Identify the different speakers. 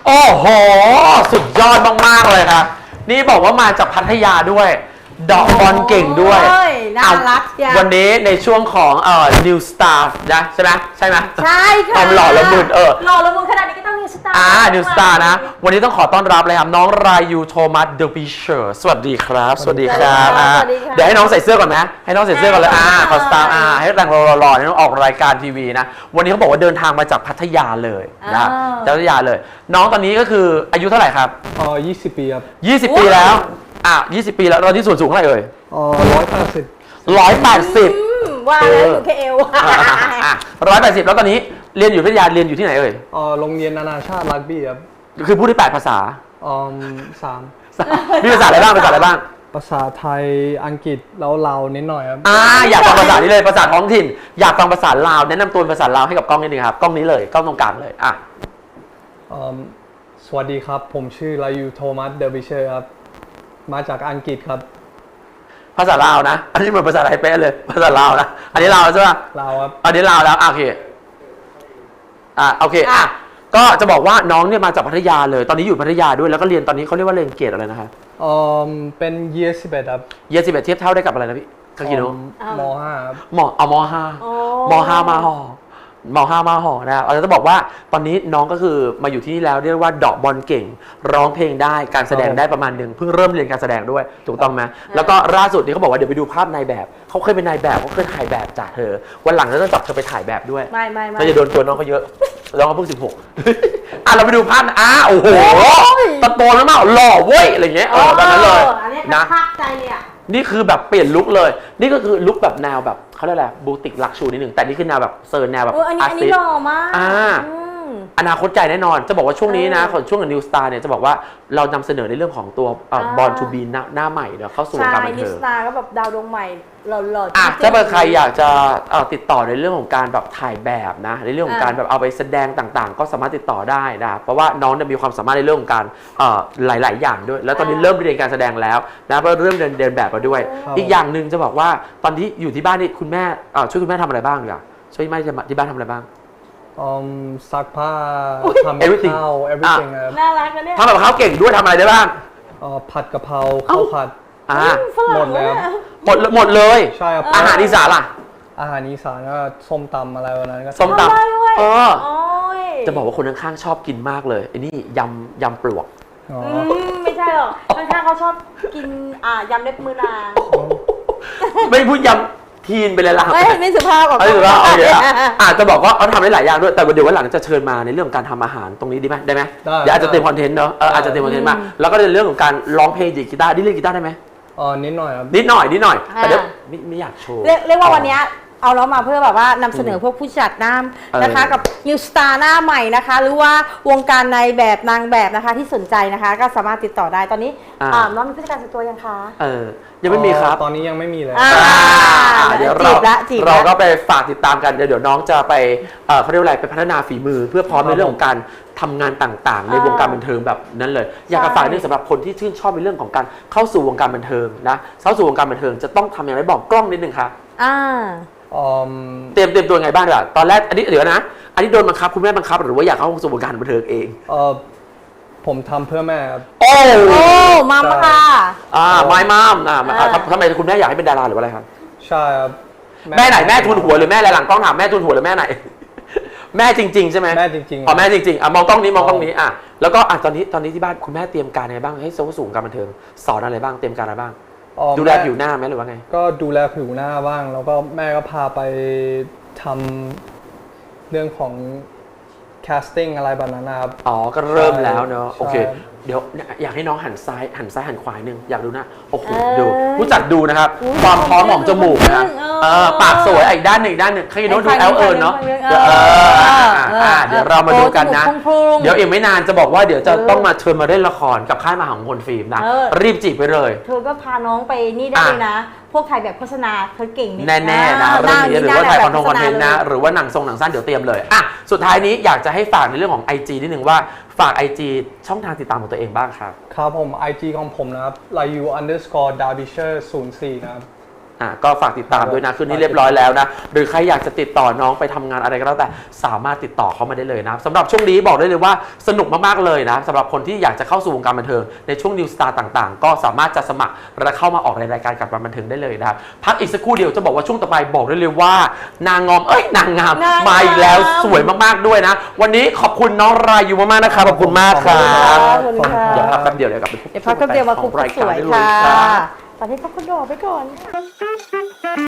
Speaker 1: โอ้โหสุดยอดมากๆเลยครับนี่บอกว่ามาจากพัทยาด้วยเดอกบอลเก่งด้วย
Speaker 2: น่ารักจ้ะ
Speaker 1: วันนี้ในช่วงของNew Star นะใช่ไหมใช่ไหม
Speaker 2: ใช่ค่ะ
Speaker 1: ความหล่อละมุน
Speaker 2: หล่อละมุนขนาดนี้ก็ต้อง New Star
Speaker 1: New Star นะวันนี้ต้องขอต้อนรับเลยครับน้องรายูโทมัสเดอะบิเชอร์สวัสดีครับสวัสดีครับเดี๋ยวให้น้องใส่เสื้อก่อนนะให้น้องใส่เสื้อก่อนเลยขอสตาร์ให้แต่งหล่อๆน้องออกรายการทีวีนะวันนี้เขาบอกว่าเดินทางมาจากพัทยาเลยนะจากพัทยาเลยน้องตอนนี้ก็คืออายุเท่าไหร่ครับ
Speaker 3: 20 ปีครับ
Speaker 1: 20 ปีแล้ว20 ปีแล้วเราที่ส่วนสูงเท่าไหร่เอ่ย
Speaker 3: 180
Speaker 2: ว่าแล้วอยู่แค่เอว
Speaker 1: 180แล้วตอนนี้เรียนอยู่พัทยาเรียนอยู่ที่ไหนเอ่ย
Speaker 3: โรงเรียนนานาชาติรักบี้ครับ
Speaker 1: คือพูดได้8 ภาษา
Speaker 3: 3
Speaker 1: มีภาษาอะไรบ้างภาษาอะไรบ้าง
Speaker 3: ภาษาไทยอังกฤษแล้วลาวนิดหน่อยครับ
Speaker 1: อยากฟังภาษานี้เลยภาษาท้องถิ่นอยากฟังภาษาลาวแนะนำตัวภาษาลาวให้กับกล้องนิดนึงครับกล้องนี้เลยกล้องตรงกลางเลย
Speaker 3: สวัสดีครับผมชื่อรายูโทมัสเดอะบิเชอร์ครับมาจากอังกฤษครับ
Speaker 1: ภาษาลาวนะอันนี้เหมือนภาษาไทยเป๊ะเลยภาษาลาวนะอันนี้ลาวใช่ป่ะ
Speaker 3: ลาวครับ
Speaker 1: อันนี้ลาวแล้วโอเคโอเคก็จะบอกว่าน้องเนี่ยมาจากพัทยาเลยตอนนี้อยู่พัทยาด้วยแล้วก็เรียนตอนนี้เขาเรียกว่าเรียนเกรดอะไรนะครับ
Speaker 3: เป็น Year 11ครับ
Speaker 1: Year 11เทียบเท่าได้กับอะไรนะพี่คากิโน
Speaker 3: ม.5 ครับ
Speaker 1: ม.5 มาห่อนะครับเราจะบอกว่าตอนนี้น้องก็คือมาอยู่ที่นี่แล้วเรียกว่าเดาะบอลเก่งร้องเพลงได้การแสดงได้ประมาณนึงเพิ่งเริ่มเรียนการแสดงด้วยถูกต้องไหมแล้วก็ล่าสุดนี้เขาบอกว่าเดี๋ยวไปดูภาพนายแบบเขาเคยเป็นนายแบบเขาเคยถ่ายแบบจากเธอวันหลังเราจะจับเธอไปถ่ายแบบด้วยไม่จะโดนตัวน้องเขาเยอะน้องเขาเพิ่ง16เราไปดูภาพโอ้โหตะโกนแล้วมาหล่อเว้ยอะไรเงี้ยแบบนั้นเลย
Speaker 2: นะภาคใจเลย
Speaker 1: นี่คือแบบเปลี่ยนลุคเลยนี่ก็คือลุคแบบแนวแบบเขาเรียกอะไรบูติกลักชูนิดหนึ่งแต่นี่คือแนวแบบเซิร์นแนวแบบ
Speaker 2: อาร์ติสต์หล่อมาก
Speaker 1: อนาคตใจแน่นอนจะบอกว่าช่วงนี้นะช่วงกับ New Star เนี่ยจะบอกว่าเรานำเสนอในเรื่องของตัวBorn to Be หน้าใหม่เดี๋ยวเข้าสู่วงการบันเทิง
Speaker 2: New Star ก็แบบดาวดวงใหม่หล่อ
Speaker 1: ถ้าใครอยากจะติดต่อในเรื่องของการแบบถ่ายแบบนะในเรื่องของการแบบเอาไปแสดงต่างๆก็สามารถติดต่อได้นะเพราะว่าน้องมีความสามารถในเรื่องของการหลายๆอย่างด้วยแล้วตอนนี้เริ่มเรียนการแสดงแล้วนะเพราะเริ่มเดินแบบมาด้วยอีกอย่างหนึ่งจะบอกว่าตอนที่อยู่ที่บ้านนี่คุณแม่ช่วยคุณแม่ทำอะไรบ้างดีกว่าช่วยแม่ที่บ้านทำอะไรบ้าง
Speaker 3: ซักผ้าทำกับข้าว everything ครับ
Speaker 2: น่ารักนะเนี่ย
Speaker 1: ทำกับข้าวเก่งด้วยทำอะไรได้บ้าง
Speaker 3: ผัดกะเพราข้าวผัดหมดแล้ว
Speaker 1: หมดเลย
Speaker 3: ใช่ครับ
Speaker 1: อาหารอีสานล่ะ
Speaker 3: อาหารอีสานก็ส้มตำอะไรวันนั้นก็
Speaker 1: ส้มตำจะบอกว่าคนข้างๆชอบกินมากเลยไอ้นี่ยำปลวก
Speaker 2: ไม่ใช่หรอกข้างๆเขาชอบกินยำเล็บมือนาง
Speaker 1: ไม่พูดยำทีนไปเลยล่ะ
Speaker 2: ไม่สุภาพ
Speaker 1: ไม่สุภาพโอเคจะบอกว่าเขาทำได้หลายอย่างด้วยแต่เดี๋ยววันหลังจะเชิญมาในเรื่องของการทำอาหารตรงนี้ดีไหมได้ไหมเดี๋ยวอาจจะเต็มคอนเทนต์เนาะอาจจะเต็มคอนเทนต์มาแล้วก็ในเรื่องของการร้องเพลงดีดกีตาร์เล่นกีตาร์ได้ไหม
Speaker 3: นิดหน่อยครับ
Speaker 1: นิดหน่อยแต่เดี๋ยวไม่อยากโชว์
Speaker 2: เรียกว่าวันนี้เอาเรามาเพื่อแบบว่านำเสนอพวกผู้จัดหน้านะคะกับ New Star หน้าใหม่นะคะหรือว่าวงการในแบบนางแบบนะคะที่สนใจนะคะก็สามารถติดต่อได้ตอนนี้น้องมีผู้จัดการส่วนตัวยังคะ
Speaker 1: ยังไม่มีครับ
Speaker 3: ตอนนี้ยังไม่มีเลย
Speaker 1: เดี๋ยวเราก็ไปฝากติดตามกันเดี๋ยวน้องจะไปเขาเรียกว่าอะไรไปพัฒนาฝีมือเพื่อพร้อมในเรื่องของการทำงานต่างๆในวงการบันเทิงแบบนั้นเลยอยากจะฝากนี่สำหรับคนที่ชื่นชอบในเรื่องของการเข้าสู่วงการบันเทิงนะเข้าสู่วงการบันเทิงจะต้องทำอย่างไรบอกกล้องนิดนึงครับเตรียมตัวไงบ้างล่ะตอนแรกอันนี้เดี๋ยวนะอันนี้โดนบังคับคุณแม่บังคับหรือว่าอยากเข้าสู่วงการบันเทิงเอง
Speaker 3: ผมทำเพื่อแม่ครับ
Speaker 1: โอ้
Speaker 2: มัมค่ะ
Speaker 1: ไม่มัมทำไมคุณแม่อยากให้เป็นดาราหรือว่าอะไรครับ
Speaker 3: ใช่ครับ
Speaker 1: แม่ไหนแม่ทุนหัวหรือแม่อะไรหลังกล้องถามแม่ทุนหัวหรือแม่ไหนแม่จริงๆใช่ไหม
Speaker 3: แม่จริง
Speaker 1: ๆแม่จริงๆมองกล้องนี้แล้วก็ตอนนี้ที่บ้านคุณแม่เตรียมการอะไรบ้างให้เข้าสู่วงการบันเทิงสอนอะไรบ้างเตรียมการอะไรบ้างดูแลผิวหน้าไหมหรือว่าไง
Speaker 3: ก็ดูแลผิวหน้าบ้างแล้วก็แม่ก็พาไปทำเรื่องของ casting อะไรแบบนั้นนะครับ
Speaker 1: ก็เริ่มแล้วเนอะโอเคเดี๋ยวอยากให้น้องหันซ้ายหันขวาหนึ่งอยากดูนะโอ้โหดูผู้จัดดูนะครับความพร้อมของจมูกนะปากสวยอีกด้านหนึ่งใครโน้ตดูแอลเนาะเดี๋ยวเรามาดูกันนะเดี๋ยวอีกไม่นานจะบอกว่าเดี๋ยวจะต้องมาเชิญมาเล่นละครกับค่ายมหาพลฟิล์มนะรีบจีบไปเลย
Speaker 2: เธอก็พาน้องไปนี่ได้เลยนะพวกถ่ายแบบโฆษณาเธอเก่ง
Speaker 1: แน่ๆนะเรื่องนี้หรือว่าถ่ายคอนเทนต์นะหรือว่าหนังสั้นเดี๋ยวเตรียมเลยสุดท้ายนี้อยากจะให้ฝากในเรื่องของ IG นิดนึงว่าฝาก IG ช่องทางติดตามของตัวเองบ้างครับ
Speaker 3: ครับผม IG ของผมนะครับ layu_darbyshire04 นะครับ
Speaker 1: ก็ฝากติดตามด้วยนะคืนนี้เรียบร้อยแล้วนะหรือใครอยากจะติดต่อน้องไปทำงานอะไรก็แล้วแต่สามารถติดต่อเข้ามาได้เลยนะสำหรับช่วงนี้บอกได้เลยว่าสนุกมากๆเลยนะสำหรับคนที่อยากจะเข้าสู่วงการบันเทิงในช่วง New Star ต่างๆ ก็สามารถจะสมัครและเข้ามาออกในรายการกับบันเทิงได้เลยนะครับพักอีกสักครู่เดียวจะบอกว่าช่วงต่อไปบอกได้เลยว่านางงามมาอีกแล้วสวยมากๆด้วยนะวันนี้ขอบคุณน้องรายูมากๆนะครับขอบคุณมากครับ
Speaker 2: ขอบคุณค่ะ
Speaker 1: เดี๋ยวพักแป๊บเดียวเดี๋ยวกลับไปพบ
Speaker 2: เดี๋ยวพักแป๊บเดียวมาคุย
Speaker 1: ของราย
Speaker 2: ส
Speaker 1: การ
Speaker 2: วย
Speaker 1: ได้เลย
Speaker 2: ค่ะ
Speaker 1: รับ
Speaker 2: ตอนนี้พักคุณดอกไปก่อน